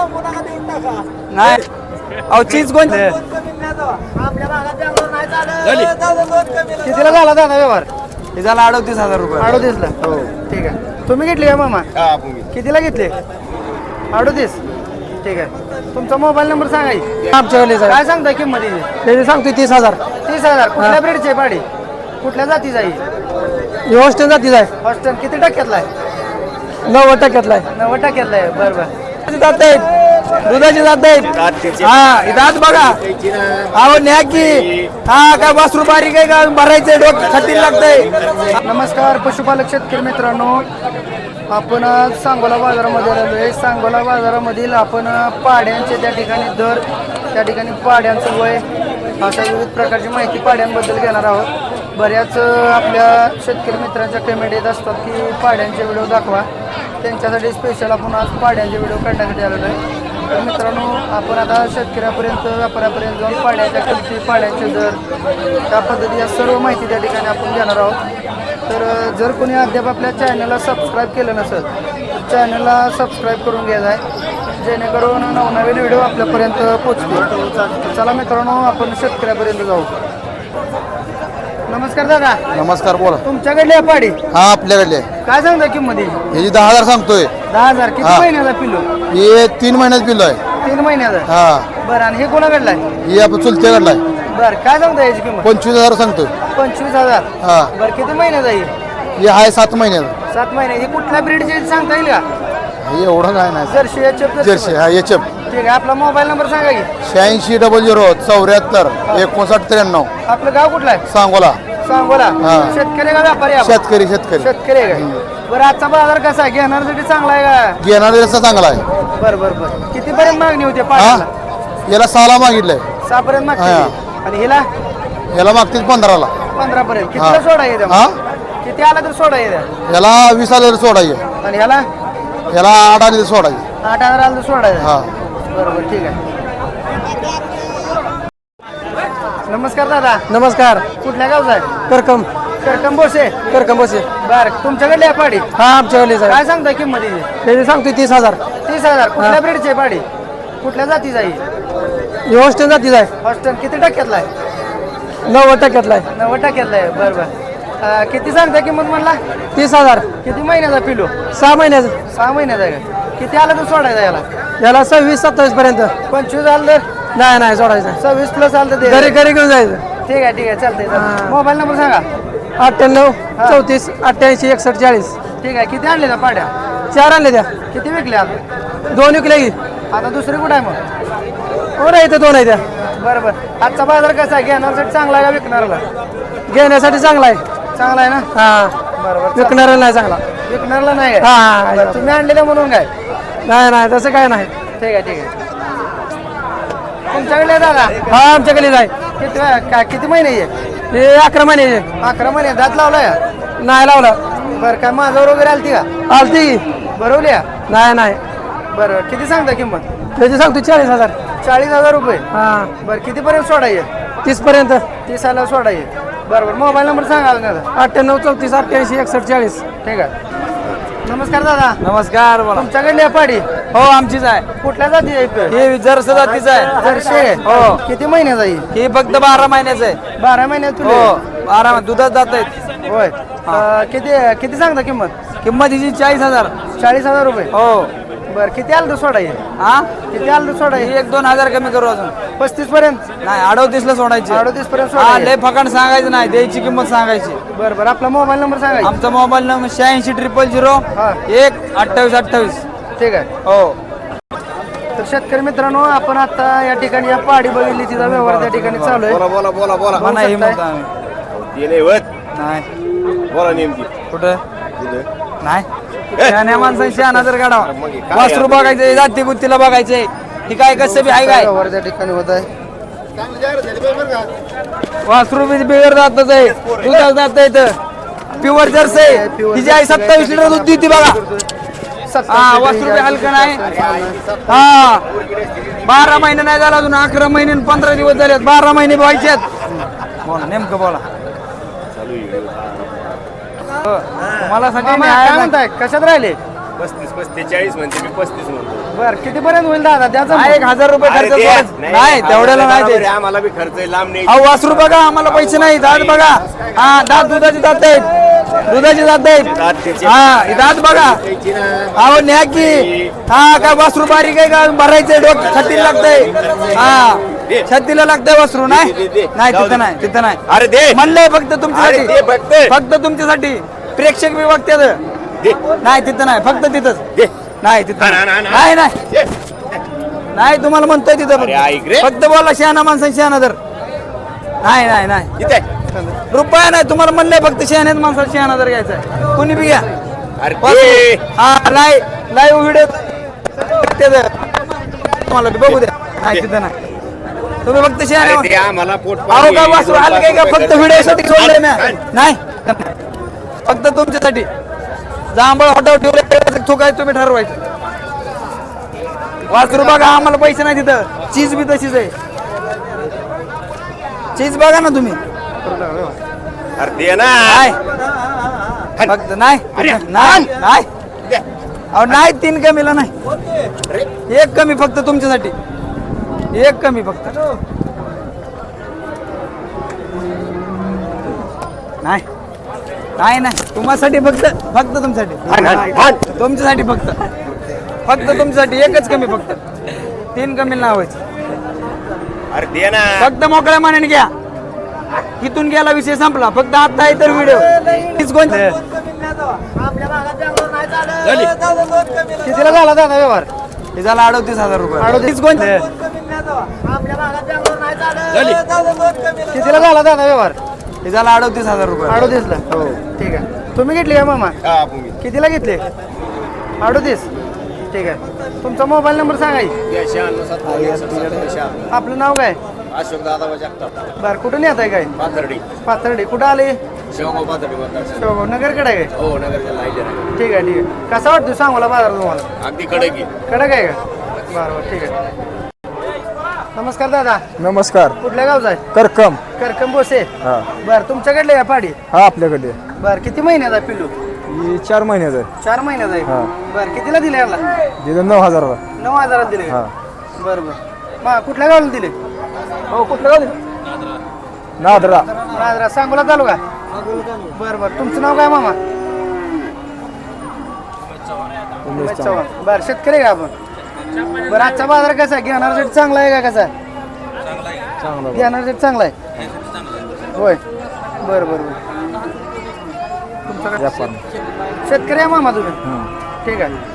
नाही अहो चीज कोण कितीला झाला दादा व्यवहार? हे झाला 38,000 रुपये. 38ला. हो ठीक आहे. तुम्ही घेतली का मामा? कितीला घेतले? 38. ठीक आहे. तुमचा मोबाईल नंबर सांगा की. काय सांगता किंमत त्याची सांगतोय 30,000. 30,000. कुठल्या ब्रीडचे पाडी? कुठल्या जातीचा आहे? हॉस्टेल जातीच आहे. हॉस्टेल किती टक्क्यातला आहे? 90% आहे. 90% आहे. बरं बरं. जात आहेत दुधाची जात आहेत. हा दात बघा अहो न्या की. हा काय वासरू बारीक आहे का भरायचंय डोकं खातील लागतंय. नमस्कार पशुपालक शेतकरी मित्रांनो, आपण आज सांगोला बाजारामध्ये आलेलो आहे. सांगोला बाजारामधील आपण पाड्यांचे त्या ठिकाणी दर, त्या ठिकाणी पाड्यांचं वय, अशा विविध प्रकारची माहिती पाड्यांबद्दल घेणार आहोत. बऱ्याच आपल्या शेतकरी मित्रांच्या कमेंट येत असतात की पाड्यांचे व्हिडिओ दाखवा. त्यांच्यासाठी स्पेशल आपण आज पाड्यांचे व्हिडिओ काढण्यासाठी आलेलो आहे. तर मित्रांनो, आपण आता शेतकऱ्यापर्यंत, व्यापाऱ्यापर्यंत जाऊन पाड्याच्या किमती, पाड्यांचे दर, त्या पद्धती या सर्व माहिती त्या ठिकाणी आपण घेणार आहोत. तर जर कोणी अद्याप आपल्या चॅनलला सबस्क्राईब केलं नसेल तर चॅनलला सबस्क्राईब करून घ्यायचं आहे, जेणेकरून नवनवीन व्हिडिओ आपल्यापर्यंत पोचतील. चला मित्रांनो, आपण शेतकऱ्यापर्यंत जाऊ. नमस्कार दादा. नमस्कार, बोला. तुमच्याकडली आहे पाडी? हा आपल्याकडले. काय सांगता किंमत? ह्याची 10,000 सांगतोय. 10,000. किती हा. महिन्याचा पिल्लू? हे 3 महिन्यात पिल्लो आहे. 3 महिन्याचा. हा. बरं, आणि हे कोणाकडलं आहे? हे आपण चुलत्याकडला आहे. बरं, काय सांगता याची किंमत? 25,000 सांगतोय. 25,000. हा. बरं, किती महिन्याचा आहे? हे आहे 7 महिन्यात. 7 महिने. हे कुठल्या ब्रीडचे सांगता येईल का? हे एवढं काय नाही. Jersey HF. जर्सी. हा एचएफ. ठीक आहे. आपला मोबाईल नंबर सांगा की. 8600 74 5993. आपलं गाव कुठलं आहे? सांगोला. सांगोला. हा. शेतकरी का व्यापारी आपण? शेतकरी. शेतकरी शेतकरी आहे का? बरं, आजचा बाजार कसा आहे? घेणाऱ्यासाठी चांगला आहे का? घेणार रस्ता चांगला आहे. बरं बरं बरं. कितीपर्यंत मागणी होते हा. पाण्याला? याला 6ला मागितलंय. 6 पर्यंत मागते. हा. आणि हिला याला मागतील 15ला. 15 पर्यंत. हा. कितीला सोडा येते? हा. किती आला तर सोडा येते? याला 20,000 सोडायचे. आणि ह्याला याला 8,000 सोडायचे. 8,000 आला तर सोडायचं. हा. बरोबर, ठीक आहे. नमस्कार दादा. नमस्कार. कुठल्या गावचा आहे? करकम. करकम बोसे. करकम बसे. बरं, तुमच्याकडली आहे पाडी? हा आमच्याकडे काय सांगता किंमत हिची? त्याची सांगतोय 30,000. 30,000. कुठल्या ब्रीडची पाडी? कुठल्या जातीचा आहे? हॉस्टेल जातीच आहे. हॉस्टेल किती टक्क्यातला आहे? 90% आहे. 90% आहे. बरं बरं. किती सांगता किंमत म्हणला? 30,000. किती महिन्याचा पिलो? 6 महिन्याचं. 6 महिन्याचा आहे का? किती आला तर सोडायचा याला? याला 26-27 पर्यंत. 25 आलं तर? नाही सोडायचं. 26 प्लस आलं तर दे. घरी घेऊन जायचं. ठीक आहे चालतंय. हा. मोबाईल नंबर सांगा. 98 34 88 61 40. ठीक आहे. किती आणले ना पाड्या? 4 आणले त्या. किती विकल्या? 2 विकले की. आता दुसरी कुठं आहे मग? हो नाही, इथं 2 आहे त्या. बरं बरं. आजचा बाजार कसा आहे? घेण्यासाठी चांगला आहे का विकणाऱ्याला? घेण्यासाठी चांगला आहे. चांगला आहे ना? हा. बरोबर. विकणारा नाही चांगला. विकणाऱ्याला नाही आहे? हा. बरं, तुम्ही आणलेलं म्हणून काय? नाही तसं काय नाही. ठीक आहे. तुमच्याकडे दादा? हा आमच्याकडे जाय. किती महिने आहे? हे 11 महिन्याचे. 11 महिने. दात लावलाय? नाही लावला. बरं, काय माझ्यावर वगैरे आलती का? आलती. बरवल्या? नाही. बरं, किती सांगता किंमत? त्याची सांगतो 40,000. 40,000 रुपये. हा. बरं, कितीपर्यंत सोडायचे? 30 पर्यंत. 30 आला सोडायचे. बरोबर. मोबाईल नंबर सांगा ना. 98 34 88 61 40. ठीक आहे. नमस्कार दादा. नमस्कार. बोला. तुमच्याकडली आहे पाडी? हो आमचीच आहे. कुठल्या जाती आहे? हे जर्स जातीच आहे. जर्सी आहे. हो. किती महिन्याचा आहे? हे फक्त 12 महिन्याचं आहे. 12 महिन्यात पिल्लू हो आहे? 12 दुधात जात आहेत. होय. किती सांगता किंमत? किंमत हिची 40,000. 40,000 रुपये. हो. बरं, किती आलं तर सोडायचे? हा. किती आलं तर सोडायचे? 1-2 हजार कमी करू अजून. 35 पर्यंत? नाही 38ला सोडायची. 38 पर्यंत हा सोडायचे. लय फकाण सांगायचं नाही, द्यायची किंमत सांगायची. बरं. आपला मोबाईल नंबर सांगा. आमचा मोबाईल नंबर 86 000 हा. 1 28 28. ठीक आहे. हो. तर शेतकरी मित्रांनो, आपण आता या ठिकाणी या पाडी बघितली, तिचा व्यवहार त्या ठिकाणी चालू आहे. बोला. बघू नाही शकताय. नाही बोला नेमकी. कुठं नाही. शहाण्या माणसांनी शहाणा जर काढावा. वासरू बघायचंय, जाती बुत्तीला बघायचंय. ही काय कसं बी आहे काय? व्यवहार त्या ठिकाणी होत आहे. वासरू बी बिगर जातच आहे. दुधात जात आहे. प्युअर जर्स आहे. तिची आई 27 लिटर दूध देते बघा. हा. वासरू बी हलकं नाही. हा. 12 महिने नाही झाला अजून. 11 महिने 15 दिवस झालेत. 12 महिने व्हायचे. बोला नेमकं बोला. मला मामा, काय म्हणताय? कशात राहिले? 35 40 म्हणते मी 35 म्हणतो. बर कितीपर्यंत होईल दादा त्याचा हा, 1000 रुपये खर्च सोडायचं. नाही तेवढ्याला नाही ते. आम्हाला बी खर्च आहे, लांब नाही. अहो वासरू बघा आम्हाला पैसे नाही दात बघा हा दात दुधाचे दात आहेत दुधाचे दात आहेत हा हे दात बघा अहो न्या की हा काय वासरू बारीक आहे का भरायचंय डोक छत्तीला लागतंय हा छत्तीला लागतंय वासरू नाही नाही तिथं नाही तिथं नाही अरे दे म्हणलंय फक्त अरे तुमच्यासाठी दे फक्त. फक्त तुमच्यासाठी प्रेक्षक बी बघतात दे. नाही तिथं नाही फक्त तिथंच दे. नाही तिथं ना, ना, ना. नाही नाही दे. नाही तुम्हाला म्हणतोय तिथं अरे ऐक रे. फक्त बोला शहाणा माणसाने शहाणा तर नाही नाही नाही इथे. रुपया नाही तुम्हाला म्हणलंय फक्त शहाण्यात माणसाला शहाणा जर घ्यायचा आहे. कुणी बी घ्या अरे दे. हा लाईव्ह व्हिडिओ तुम्हाला बी बघू द्या नाही तिथं नाही तुम्ही फक्त अरे शहाणा दे, आम्हाला पोट अहो काय वासरू आलं काय का फक्त व्हिडिओसाठी सोडलंय ना नाही फक्त तुमच्यासाठी जांभळ हॉटेल ठेवले तो काय तुम्ही ठरवायचं वासरू बघा आम्हाला पैसे नाही तिथं चीज बी तशीच आहे चीज बघा ना तुम्ही अरे दे ना. नाही फक्त नाही नाही नाही अहो नाही 3 कमीला नाही 1 कमी फक्त तुमच्यासाठी 1 कमी फक्त नाही नाही नाही तुम्हासाठी फक्त फक्त तुमच्यासाठी तुमच्यासाठी फक्त तुमच्यासाठी 1च कमी फक्त 3 कमी लावायचं अरे दे ना. फक्त मोकळ्या मानाने घ्या इथून गेला विषय संपला फक्त आता आहे तर व्हिडिओ तीच कोणती कितीला झाला दादा व्यवहार हे झाला 38,000 रुपये 38 कोणती कितीला झाला दादा व्यवहार हे झाला 38,000 रुपये 38ला हो ठीक आहे तुम्ही घेतली का मामा हा, भूमी. कितीला घेतले 38 ठीक आहे तुमचा मोबाईल नंबर सांगा की. या 96, 97, 96. आपलं नाव काय अशोक दादा जगताप. बरं कुठून येत आहे काय पाथर्डी. पाथर्डी कुठं आले शेवगाव पाथर्डी मतदार. शेवगाव नगरकडे आहे काय हो, नगरच्या लाईन आहे. ठीक आहे ठीक आहे कसा वाटतो सांगोला बाजार तुम्हाला अगदी कडक आहे. कडक आहे का बरं बरं ठीक आहे नमस्कार दादा नमस्कार कुठल्या गावचा आहे करकम करकम बोसे हा बरं तुमच्याकडले आहे पाडी हा आपल्याकडे बरं किती महिन्यात आहे पिल्लू ही 4 महिन्याचं आहे 4 महिन्यात आहे हा. बरं कितीला दिले याला दिलं 9,000ला 9,000 दिले हा बरं बरं मा कुठल्या गावाला दिले हो कुठलं गाव ते? नादरा राजरा सांगोला चालू का बरं बरं तुमचं नाव काय मामा उमेश चव्हाण बरं शेतकरी आहे का आपण बरं आजचा बाजार कसा आहे घेणारा रेट चांगला आहे का कसा घेणारा रेट चांगला आहे होय बरं बरं बरं तुमचं व्यापार शेतकरी आहे मामा तुम्ही ठीक आहे